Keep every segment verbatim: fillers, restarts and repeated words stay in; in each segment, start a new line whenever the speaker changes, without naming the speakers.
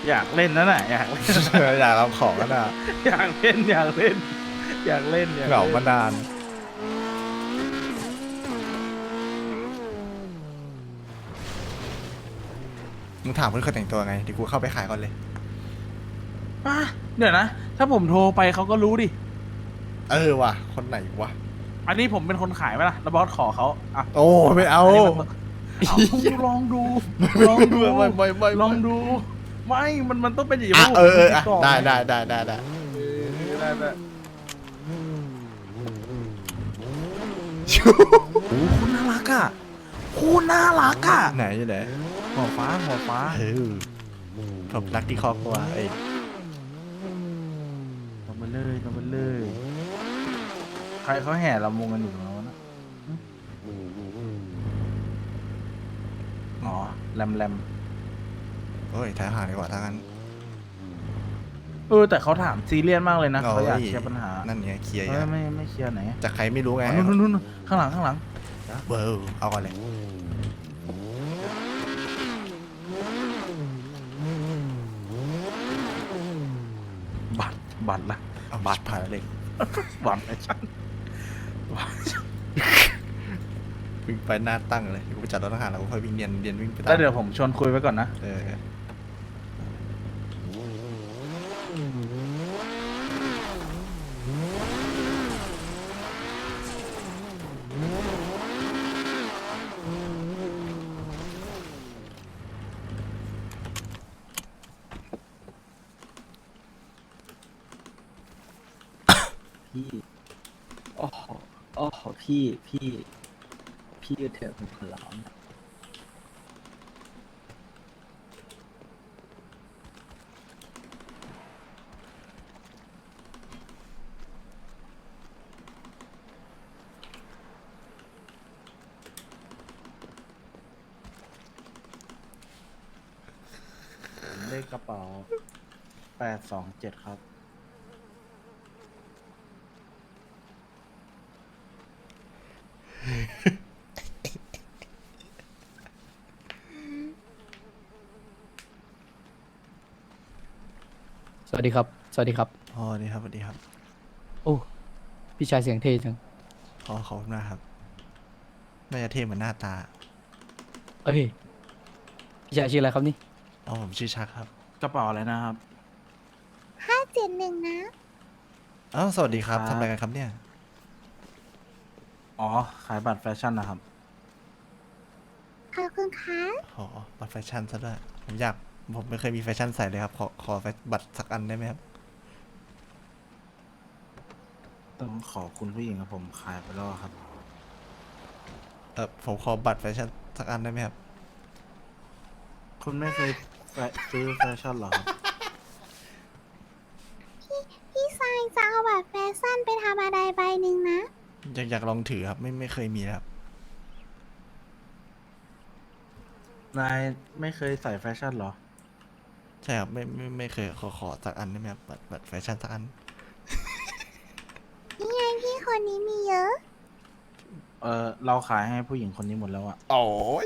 อยากเล่นนั่นแหละอยากเล่น
อยากรับของก็ได้
อยากเล่นอยากเล่นอยากเล่นอยาก
เหงา
เล่น
มานานมึงถามเพื่อนเขาแต่งตัวไงเดี๋ยวกูเข้าไปขายก่อนเลย
อ่ะเดี๋ยวนะ ถ้าผมโทรไปเขาก็รู้ดิ
เออว่ะคนไหนวะ
อันนี้ผมเป็นคนขายไหมล่ะแล้วบอสขอเขาอ่ะ
โอ้ไม่เอา
นนี้มันเอาลองดูลองดู
ไม่ไม่ไม่ไม่
ลองดู ไม่มันมันต้องเป็นอย่างนี้
อ่ะ
ผม
เออเอออ่ะ
ติต่
ได้ได้ได้ได้ได้
เออได้ได้โอ้คุณน่ารักอ่ะคุณน่ารักอ่ะ
ไหนอยู่ไหน
หัวฟ้าหัวฟ้า
เออผมรักที่ครอบครัวเอ้ย
ลงมาเลยลงมาเลย ใครเขาแห่ลำวงกันอยู่แล้วนะอ๋อแรมแรม
โอ้ยถ่ายหาดีกว่าถ้างั้น
เออแต่เขาถามซีเรียสมากเลยนะเขาอยาก
โ
เคลียร์ปัญหา
นั่นไงเคลียร์
เอ
อ
อย่าง ไม่ไม่เคลียร์ไหน
จากใครไม่รู้ไง
อ๋อนู่นนู่นนู่นข้างหลังข้างหลัง
เบอร์เอาก่อนเลย
บัตรบัตรละ
เอา
บัตร
ผ่านเลย
บัตรไอ้ฉัน
วิ่งไปหน้าตั้งเลยกูไปจัดรถทหารแล้วกูค่อยวิ่งเรียนเรียนวิ่งไปตา
แล้ว
ม
เดี๋ยวผมชวนคุยไว้ก่อนนะ
เออ
พี่โอ้โหโอ้โหพี่พี่พี่เถอะผมขอร้อง
เลขกระเป๋าแปดสองเจ็ดครับ
สวัสดีครับ สวัสดีครับ
อ๋อนี่ครับสวัสดีครับ
โอ้ พี่ชายเสียงเท่จัง
ขอขอบคุณมากครับน่าจะเท่เหมือนหน้าตา
เอ้ย พี่ชายชื่ออะไรครับนี่
อ๋อผมชื่อชักครับ
กระเป๋าอะไรนะครับ
ห้าเจ็ดหนึ่งนะ
อ้าวสวัสดีครับ
ครับ
ทำอะไรกันครับเนี่ย
อ๋อขายบัตรแฟชั่นนะครับ
ขอบคุณค่ะ
อ๋อบัตรแฟชั่นซะด้วยผมอยากผมไม่เคยมีแฟชั่นใส่เลยครับขอขอแฟบัตรสักอันได้ไหมครับ
ต้องขอคุณผู้หญิงครับผมขายไปแล้วครับ
เออผมขอบัตรแฟชั่นสักอันได้ไหมครับ
คุณไม่เคยแฟซื้อแฟชั่นเหรอครับ
พี่ชายจะเอาบัตรแฟชั่นไปทำอะไรใบหนึ่งนะ
อยากอยากลองถือครับไม่ไม่เคยมีครับ
นายไม่เคยใส่แฟชั่นเหรอ
ใช่ครับไม่ไม่ไม่เคยขอขอสักอันได้ไหมครับบัตรบัตรแฟชั่นสักอัน
นี่ไงพี่คนนี้มีเยอะ
เออเราขายให้ผู้หญิงคนนี้หมดแล้วอะ
โอ้ย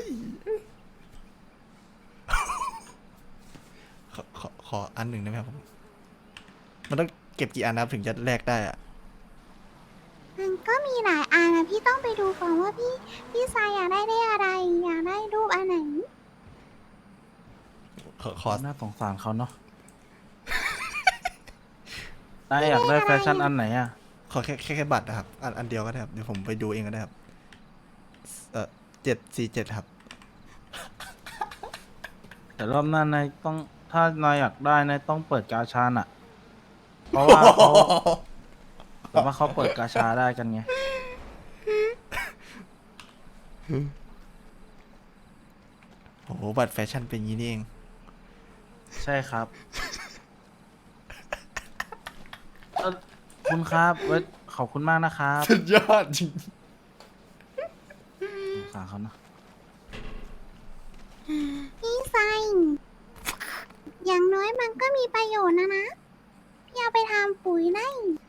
ขอขอขออันหนึ่งได้ไหมครับผมมันต้องเก็บกี่อันนะครับถึงจะแลกได้อะ
มันก็มีหลายอันนะพี่ต้องไปดูก่อนว่าพี่พี่ชายอยากได้ได้อะไร อยากได้รูปอันไหน
ขอขอ
น่าสงสารเขาเนาะ นายอยากได้แฟชั่นอันไหนอะ
ขอแค่แค่แค่บัตรนะครับอันอันเดียวก็ได้ครับเดี๋ยวผมไปดูเองก็ได้ครับเออเจ็ดสี่เจ็ดครับ
แต่รอบหน้านายต้องถ้านายอยากได้นายต้องเปิดกาชาน่ะ เพราะว่าเขาแต่ว่าเขาเปิดกาชาได้กันไง
โอ้โหบัตรแฟชั่นเป็นอย่างนี้นี่เอง
ใช่ครับ เอ่อคุณครับเว้ยขอบคุณมากนะครับ
สุดยอดจริง
สงสารเขาเนอะ
พี่ชายอย่างน้อยมันก็มีประโยชน์นะนะ พี่เอาไปทำปุ๋ยได้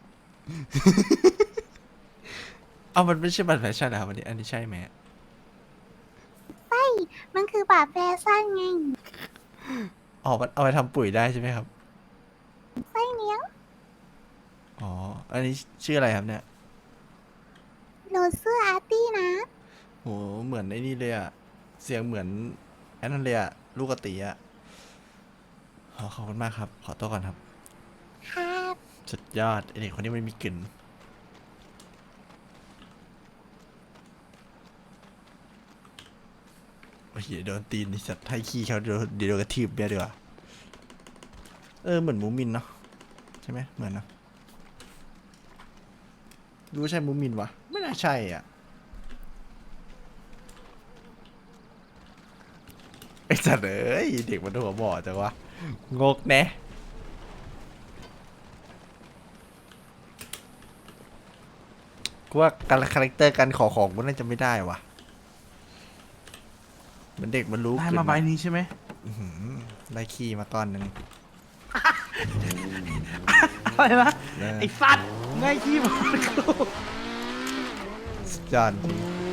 เอามันไม่ใช่บัตรแฟชั่นนะครับอันนี้อันนี้ใช่ไหม
ใช่มันคือบัตรแฟชั่นไง
อ๋ออ๋อมันเอาไปทำปุ๋ยได้ใช่ไหมครับ
ไส้เลี้ยง
อ๋อ อันนี้ชื่ออะไรครับเนี่ย
โรเซอร์อาร์ตี้นะ
โห เหมือนไอ้นี่เลยอะเสียงเหมือนไอ้นั่นเลยอะลูกกระตีอะอ๋อขอบคุณมากครับ ขอตัวก่อนครับ
ครับ
สุดยอดไอเด็กคนนี้มันมีกลิ่นโอ้ยเดี๋ยวโดนตีนนี่สัตว์ให้ขี้เขาเดี๋ยวเดี๋ยวโดนกระทืบเบี้ยดีกว่าเออเหมือนมูมินเนาะใช่ไหมเหมือนเนอะรู้ใช่มูมินวะไม่น่าใช่อ่ะไอ้สัตว์เอ้ยเด็กมันหัวบอดจังวะงกแน่กูว่าการคาแรคเตอร์การขอของมันน่าจะไม่ได้วะเหมือนเด็กมันรู้
ได้
เกิน
มาใบนี้ใช่ไหม
อื้อหือได้ขี้มาก้อนหนึ่ง
อะไรนะ
ได้
ไอ้สัตว์ง่ายขี้มันกู
สุดยอดจริง